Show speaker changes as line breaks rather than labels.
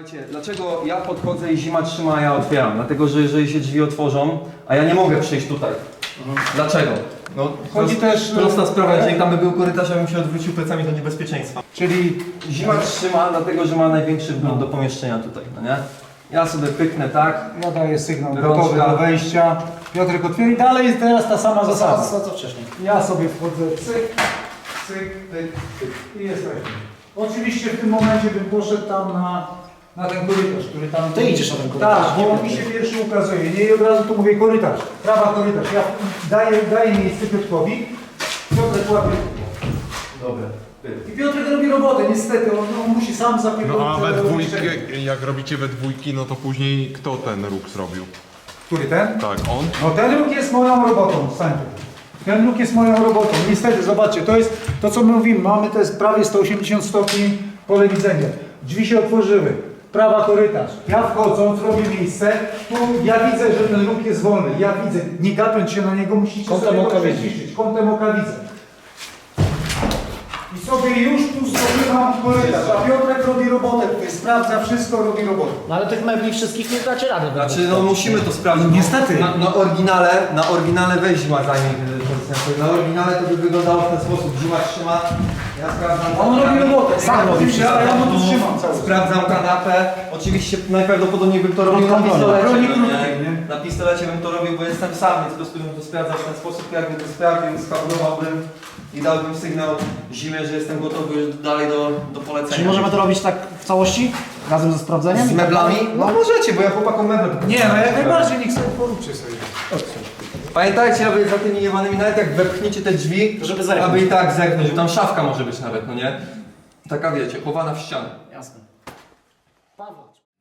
Słuchajcie, dlaczego ja podchodzę i Zima trzyma, a ja otwieram? Dlatego, że jeżeli się drzwi otworzą, a ja nie mogę przejść tutaj. Dlaczego? No,
Chodzi też...
prosta sprawa, jeżeli tam by był korytarz, ja bym się odwrócił plecami do niebezpieczeństwa.
Czyli
Zima trzyma, dlatego, że ma największy wgląd do pomieszczenia tutaj, no nie? Ja sobie pyknę tak.
ja daję sygnał
Rączka.
gotowy do wejścia. Piotrek otwiera i dalej jest teraz ta sama zasada.
Co wcześniej?
Ja sobie wchodzę, cyk, cyk, pyk, pyk i jesteśmy. Oczywiście w tym momencie bym poszedł tam na ten korytarz, który tam...
Ty idziesz na ten korytarz,
Tak,
nie
bo on
wiem.
mi się pierwszy ukazuje. Nie, od razu tu mówię korytarz, prawa korytarz. Ja daję miejsce Piotrkowi. Piotrek łapie.
Dobra.
I Piotrek robi robotę, niestety, on musi sam zapierdolić.
No a we
całe
dwójkę,
pomieszczenie.
jak robicie we dwójki, no to później kto ten róg zrobił?
Który ten?
Tak, on?
No ten róg jest moją robotą, stań tu. Ten róg jest moją robotą. Niestety, zobaczcie, to jest to, co my mówimy. Mamy to jest prawie 180 stopni pole widzenia. Drzwi się otworzyły. Prawa korytarz. Ja wchodząc robię miejsce. Tu ja widzę, że ten róg jest wolny. Ja widzę. Nie gapiąc się na niego, musicie
Kątem
sobie
oka
go
widzisz.
przeciszyć. Kątem oka widzę. I sobie już tu zdobywam korytarz. A Piotrek robi robotę. Tutaj sprawdza wszystko, robi robotę.
No ale tych mebli wszystkich nie dacie rady.
Znaczy, no musimy to sprawdzić.
No, niestety.
Na oryginale weź Zima zajmie ten. Na oryginale to by wyglądało w ten sposób. Zima trzyma, ja sprawdzam.
On robi robotę.
Sam robi wszystko.
Ja mu tu trzymam cały czas.
Sprawdzam kanapę. Oczywiście najprawdopodobniej bym to robił na pistolecie.
Broni
no
krótkiej,
nie?
nie?
Na pistolecie bym to robił, bo jestem sam, więc po prostu bym to sprawdzał w ten sposób. Jakbym to sprawdził, skablowałbym i dałbym sygnał Zimie, że jestem gotowy już dalej do polecenia.
Czyli możemy to robić tak w całości? Razem ze sprawdzeniem?
z meblami? No możecie, bo ja chłopakom meble.
Nie, no jak najbardziej, niech sobie poróbcie sobie.
Pamiętajcie, aby za tymi jewanymi, nawet jak wepchniecie te drzwi,
To żeby zerknąć.
aby i tak zerknąć, bo tam szafka może być nawet, no nie? Taka wiecie, chowana w ścianę.
Jasne. Paweł.